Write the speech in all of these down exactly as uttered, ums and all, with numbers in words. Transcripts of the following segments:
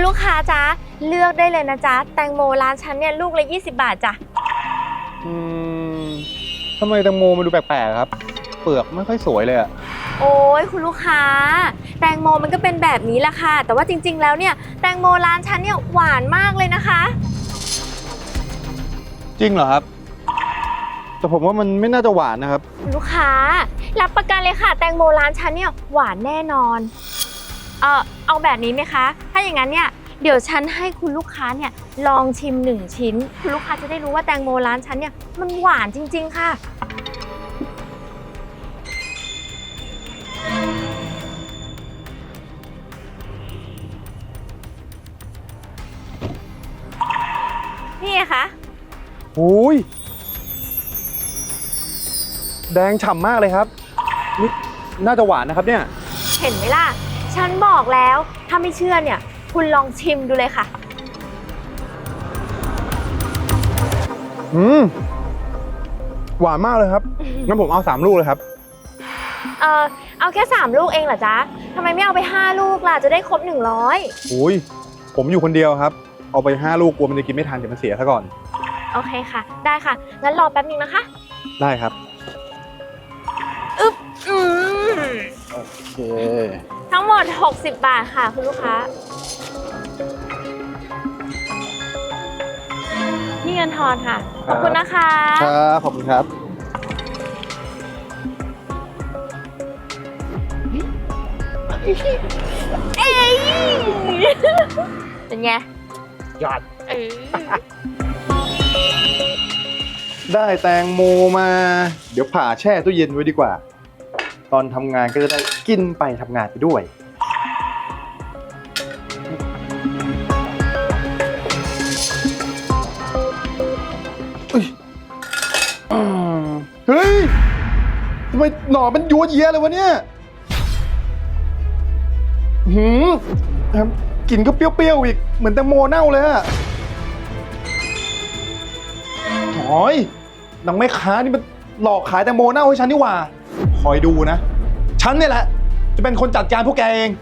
ลูกค้าจ๊ะเลือกได้เลยนะจ๊ะแตงโมร้านฉันเนี่ยลูกละยี่สิบบาทจ้ะอืมทำไมแตงโมมันดูแปลกๆครับเปลือกไม่ค่อยสวยเลยอะโอ้ยคุณลูกค้าแตงโมมันก็เป็นแบบนี้แหละค่ะแต่ว่าจริงๆแล้วเนี่ยแตงโมร้านฉันเนี่ยหวานมากเลยนะคะจริงเหรอครับแต่ผมว่ามันไม่น่าจะหวานนะครับคุณลูกค้ารับประกันเลยค่ะแตงโมร้านฉันเนี่ยหวานแน่นอนเออเอาแบบนี้ไหมคะถ้าอย่างนั้นเนี่ยเดี๋ยวฉันให้คุณลูกค้าเนี่ยลองชิมหนึ่งชิ้นคุณลูกค้าจะได้รู้ว่าแตงโมร้านฉันเนี่ยมันหวานจริงๆค่ะนี่ไงคะโอ้ยแดงฉ่ำมากเลยครับนี่น่าจะหวานนะครับเนี่ยเห็นไหมล่ะฉันบอกแล้วถ้าไม่เชื่อเนี่ยคุณลองชิมดูเลยค่ะอืมหวานมากเลยครับงั้นผมเอาสามลูกเลยครับเออเอาแค่สามลูกเองเหรอจ๊ะทำไมไม่เอาไปห้าลูกล่ะจะได้ครบหนึ่งร้อยโอ้ยผมอยู่คนเดียวครับเอาไปห้าลูกกลัวมันจะกินไม่ทันเดี๋ยวมันเสียซะก่อนโอเคค่ะได้ค่ะงั้นรอแป๊บนึงนะคะได้ครับอึ๊บอืมโอเคทั้งหมดหกสิบบาทค่ะคุณลูกค้านี่เงินทอนค่ะขอบคุณนะคะครับขอบคุณครับเอ้ยเป็นไงยอดเออได้แตงโมมาเดี๋ยวผ่าแช่ตู้เย็นไว้ดีกว่าตอนทำงานก็จะได้กินไปทำงานไปด้วยเฮ้ยทำไมหน่อมันยัวเยียเลยวะเนี่ยหืมกลิ่นก็เปรี้ยวๆอีกเหมือนแตงโมเน่าเลยอะโอ้ยนางแม่ค้านี่มันหลอกขายแตงโมเน่าให้ฉันนี่หว่าคอยดูนะฉันเนี่ยแหละจะเป็นคนจัดการพวกแกเอง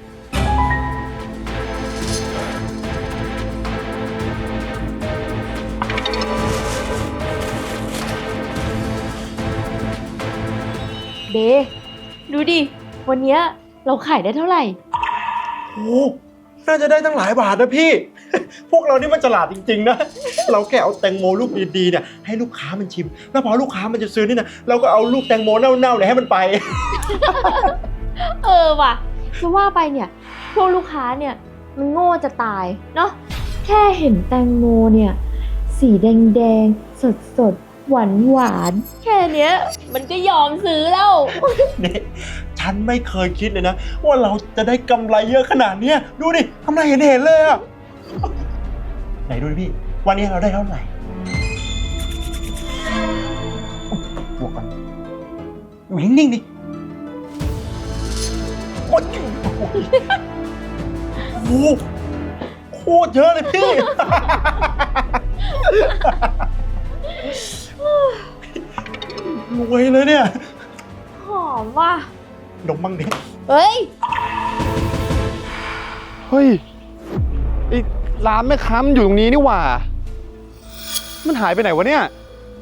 เดดูดิวันนี้เราขายได้เท่าไหร่โอ้น่าจะได้ตั้งหลายบาทนะพี่ พวกเรานี่มันฉลาดจริงๆนะ เราแค่เอาแตงโมลูกดีๆเนี่ยให้ลูกค้ามันชิมแล้วพอลูกค้ามันจะซื้อนี่นะเราก็เอาลูกแตงโมเน่าๆเนี่ยให้มันไปเออว่ะจะว่าไปเนี่ยพวกลูกค้าเนี่ยมันโง่จะตายเนาะแค่เห็นแตงโมเนี่ยสีแดงๆสดๆหวานหวานแค่เนี้ยมันก็ยอมซื้อแล้วนี่ฉันไม่เคยคิดเลยนะว่าเราจะได้กำไรเยอะขนาดเนี้ยดูดิกำไรเห็นเห็นเลยอะไหนดูดิพี่วันนี้เราได้เท่าไหร่บวกกันอยู่นิ่งๆดิโอ้โหโคตรเยอะเลยพี่ รวยเลยเนี่ยหอมว่ะดมบ้างดิเฮ้ยเฮ้ยไอ้ร้านแม่ค้ามันอยู่ตรงนี้นี่หว่ามันหายไปไหนวะเนี่ย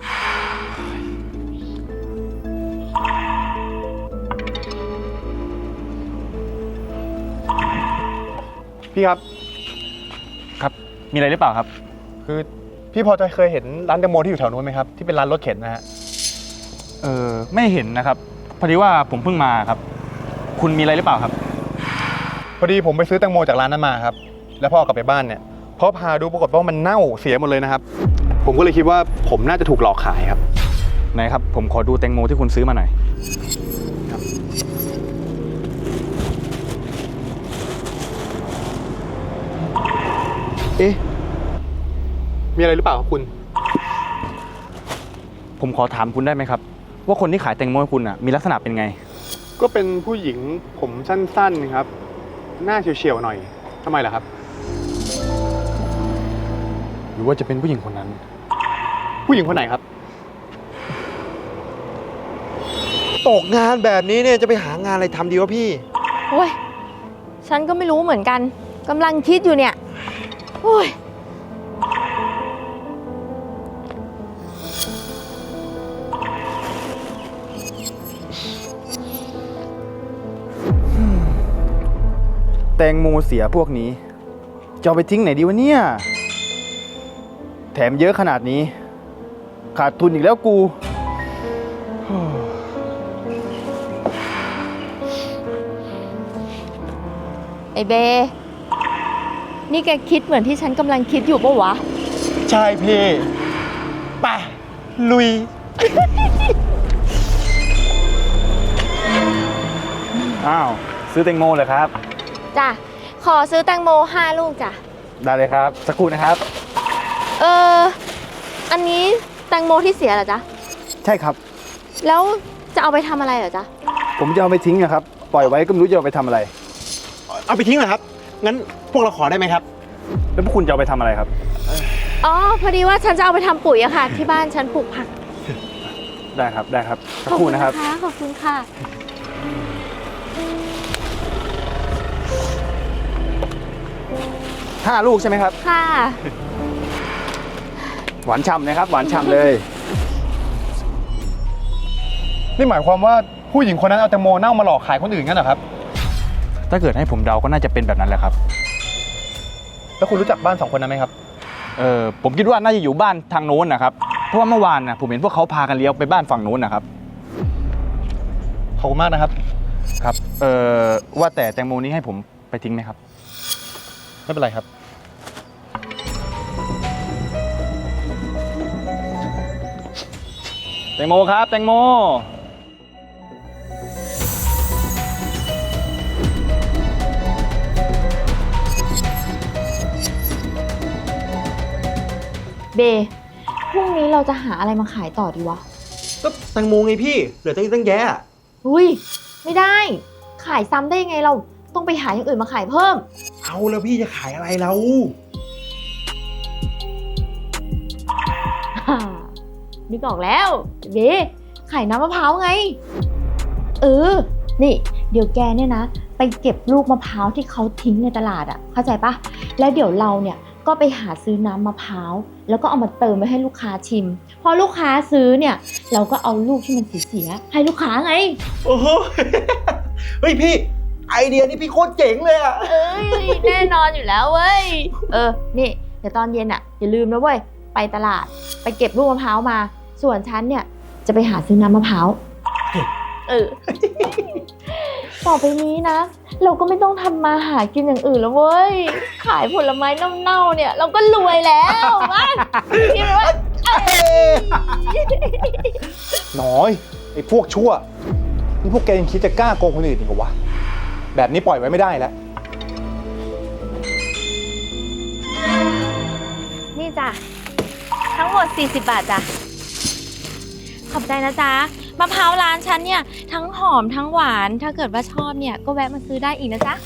พี่ครับครับมีอะไรหรือเปล่าครับคือพี่พอจะเคยเห็นร้านแตงโมที่อยู่แถวนู้นไหมครับที่เป็นร้านรถเข็นนะฮะเออไม่เห็นนะครับพอดีว่าผมเพิ่งมาครับคุณมีอะไรหรือเปล่าครับพอดีผมไปซื้อแตงโมจากร้านนั้นมาครับแล้วพอกลับไปบ้านเนี่ยพอพาดูปรากฏว่ามันเน่าเสียหมดเลยนะครับผมก็เลยคิดว่าผมน่าจะถูกหลอกขายครับไหนครับผมขอดูแตงโมที่คุณซื้อมาหน่อยครับเอ๊ะมีอะไรหรือเปล่าครับคุณผมขอถามคุณได้ไหมครับว่าคนที่ขายแตงโมให้คุณอ่ะมีลักษณะเป็นไงก็เป็นผู้หญิงผมสั้นๆครับหน้าเฉียวๆหน่อยทำไมล่ะครับหรือว่าจะเป็นผู้หญิงคนนั้นผู้หญิงคนไหนครับตกงานแบบนี้เนี่ยจะไปหางานอะไรทำดีวะพี่โอ้ยฉันก็ไม่รู้เหมือนกันกำลังคิดอยู่เนี่ยโอ้ยแตงโมเสียพวกนี้จะเอาไปทิ้งไหนดีวะเนี่ย แถมเยอะขนาดนี้ ขาดทุนอีกแล้วกูไอเบ นี่แกคิดเหมือนที่ฉันกำลังคิดอยู่ปะวะใช่พี่ไปลุยอ้าว ซื้อแตงโมเลยครับจ้ะ ขอซื้อแตงโมห้าลูกจ้ะได้เลยครับ สักครู่นะครับเออ อันนี้แตงโมที่เสียเหรอจ๊ะใช่ครับแล้วจะเอาไปทำอะไรเหรอจ๊ะผมจะเอาไปทิ้งนะครับ ปล่อยไว้ก็ไม่รู้จะเอาไปทำอะไรเอาไปทิ้งเหรอครับ งั้นพวกเราขอได้ไหมครับแล้วพวกคุณจะเอาไปทำอะไรครับอ๋อ พอดีว่าฉันจะเอาไปทำปุ๋ยอะค่ะ ที่บ้านฉันปลูกผักได้ครับ ได้ครับ สักครู่นะครับขอบคุณค่ะห้าลูกใช่ไหมครับค่ะหวานฉ่ำนะครับ หวานฉ่ำเลยนี่หมายความว่าผู้หญิงคนนั้นเอาแตงโมเน่ามาหลอกขายคนอื่นงั้นเหรอครับถ้าเกิดให้ผมเดาก็น่าจะเป็นแบบนั้นแหละครับแล้วคุณรู้จักบ้านสองคนนั้นไหมครับเออผมคิดว่าน่าจะอยู่บ้านทางโน้นนะครับ เพราะว่าเมื่อวานนะผมเห็นพวกเขาพากันเลี้ยวไปบ้านฝั่งโน้นนะครับขอบคุณมากนะครับครับ เออว่าแต่แตงโมนี้ให้ผมไปทิ้งไหมครับไม่เป็นไรครับแตงโมครับ แตงโมเบ พรุ่งนี้เราจะหาอะไรมาขายต่อดีวะก็แตงโมไงพี่ เหลือตั้งตั้งแยะอุ้ย ไม่ได้ ขายซ้ำได้ยังไงเราต้องไปหาอย่างอื่นมาขายเพิ่มเอาแล้วพี่จะขายอะไรเราอ่านึกออกแล้วเย้ขายน้ำมะพร้าวไง เออ นี่ เดี๋ยวแกเนี่ยนะ ไปเก็บลูกมะพร้าวที่เขาทิ้งในตลาดอะเข้าใจปะแล้วเดี๋ยวเราเนี่ยก็ไปหาซื้อน้ำมะพร้าวแล้วก็เอามาเติมไว้ให้ลูกค้าชิม พอลูกค้าซื้อเนี่ย เราก็เอาลูกที่มันเสียๆให้ลูกค้าไงโอ้โห เฮ้ยพี่ ไอเดียนี่พี่โคตรเจ๋งเลยอะเอ้ยแน่นอนอยู่แล้วเว้ย เออ นี่ เดี๋ยวตอนเย็นอะอย่าลืมนะเว้ย ไปตลาดไปเก็บลูกมะพร้าวมา ส่วนฉันเนี่ยจะไปหาซื้อน้ำมะพร้าว เออ ต่อไปนี้นะ เราก็ไม่ต้องทำมาหากินอย่างอื่นแล้วเว้ย ขายผลไม้เน่าๆเนี่ย เราก็รวยแล้วมาคิดว่าน้อยไอ้พวกชั่ว นี่พวกแกยังคิดจะกล้าโกงคนอื่นอีกเหรอวะ แบบนี้ปล่อยไว้ไม่ได้แล้วนี่จ้ะ ทั้งหมดสี่สิบบาทจ้ะ ขอบใจนะจ๊ะ มะพร้าวร้านฉันเนี่ย ทั้งหอมทั้งหวาน ถ้าเกิดว่าชอบเนี่ย ก็แวะมาซื้อได้อีกนะจ๊ะ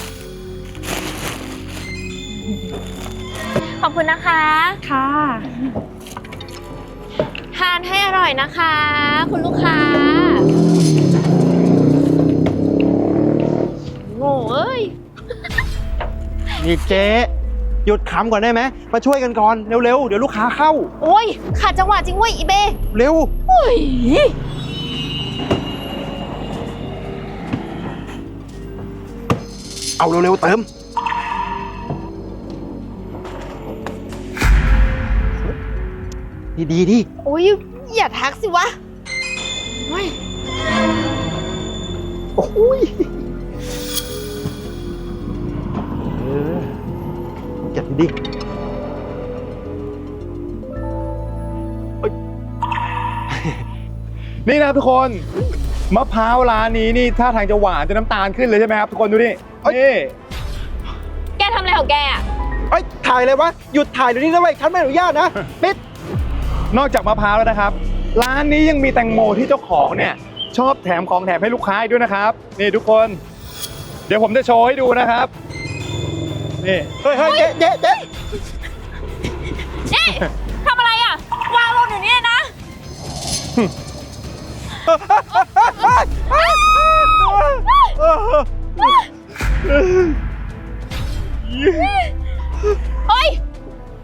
ขอบคุณนะคะ ค่ะ ทานให้อร่อยนะคะ คุณลูกค้า โง่เอ้ยนี่เจ๊หยุดขำก่อนได้ไหม มาช่วยกันก่อน เร็วๆ เดี๋ยวลูกค้าเข้าโอ้ยขาดจังหวะจริงเว้ยอีเบเร็วโอ้ยเอาเร็วๆ เติม ดีดีดีโอ้ยอย่าทักสิวะโอ้ยโอ้ยเออจัดดีนี่นะครับทุกคน มะพร้าวร้านนี้นี่ท่าทางจะหวานจะน้ำตาลขึ้นเลยใช่ไหมครับทุกคนดูนี่นี่แกทำอะไรของแกอ่ะเอ้ย ถ่ายเลยวะ หยุดถ่ายเดี๋ยวนี้นะเว้ยฉันไม่อนุญาตนะปิดนอกจากมะพร้าวแล้วนะครับ ร้านนี้ยังมีแตงโมที่เจ้าของเนี่ยชอบแถมของแถมให้ลูกค้าอีกด้วยนะครับ นี่ทุกคน เดี๋ยวผมจะโชว์ให้ดูนะครับ นี่เฮ้ยเฮ้ยเจ๊เจ๊เจ๊นี่ทำอะไรอ่ะ วางลงอยู่นี่นะ เฮ้ย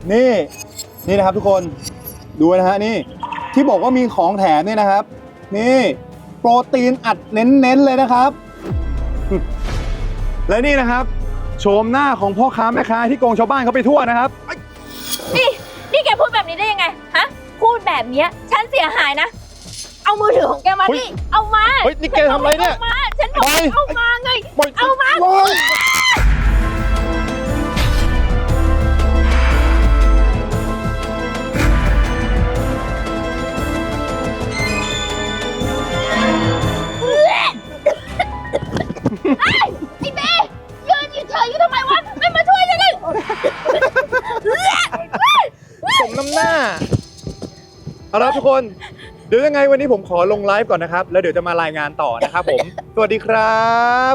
นี่นี่นะครับทุกคนดูนะฮะนี่ที่บอกว่ามีของแถมเนี่ยนะครับ นี่โปรตีนอัดเน้นๆเลยนะครับ และนี่นะครับโฉมหน้าของพ่อค้าแม่ค้าที่โกงชาวบ้านเขาไปทั่วนะครับนี่นี่แกพูดแบบนี้ได้ยังไงฮะพูดแบบเนี้ยฉันเสียหายนะ เอามือถือของแกมาเฮ้ยดิเอามาเฮ้ยนี่แกทำอะไรเนี่ยอามาฉันบอกให้เอามาไง เอามาโอ๊ยไอ้เบ้ยืนเฉยๆอยู่ทำไมวะไม่มาช่วยฉันเลยสมน้ำหน้าเอาละทุกคนเดี๋ยวยังไงวันนี้ผมขอลงไลฟ์ก่อนนะครับ แล้วเดี๋ยวจะมารายงานต่อนะครับผม สวัสดีครับ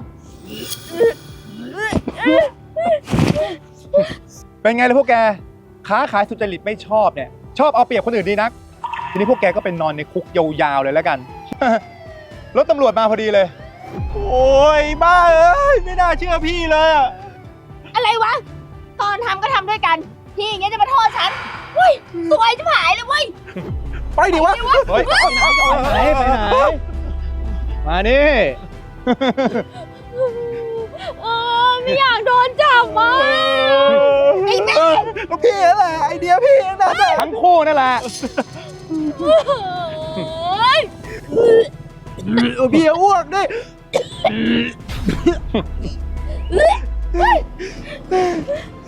เป็นไงล่ะพวกแก ค้าขายสุจริตไม่ชอบเนี่ย ชอบเอาเปรียบคนอื่นดีนัก ทีนี้พวกแกก็เป็นนอนในคุกยาวๆเลยแล้วกัน รถตำรวจมาพอดีเลยโอ้ยบ้าเอ้ยไม่น่าเชื่อพี่เลยอะอะไรวะ ตอนทำก็ทำด้วยกัน พี่อย่างเงี้ยจะมาโทษฉันเฮ้ยสวยจะหายเลยเว้ยไปดิวะเฮ้ยไปไหนไปไหนไปไหนมานี่เออไม่อยากโดนจับอ่ะ ไอ้แม่ก็พี่นั่นแหละไอเดียพี่นั่นแหละทั้งคู่นั่นแหละเฮ้ยเออพี่อ้วกดิเฮ้ย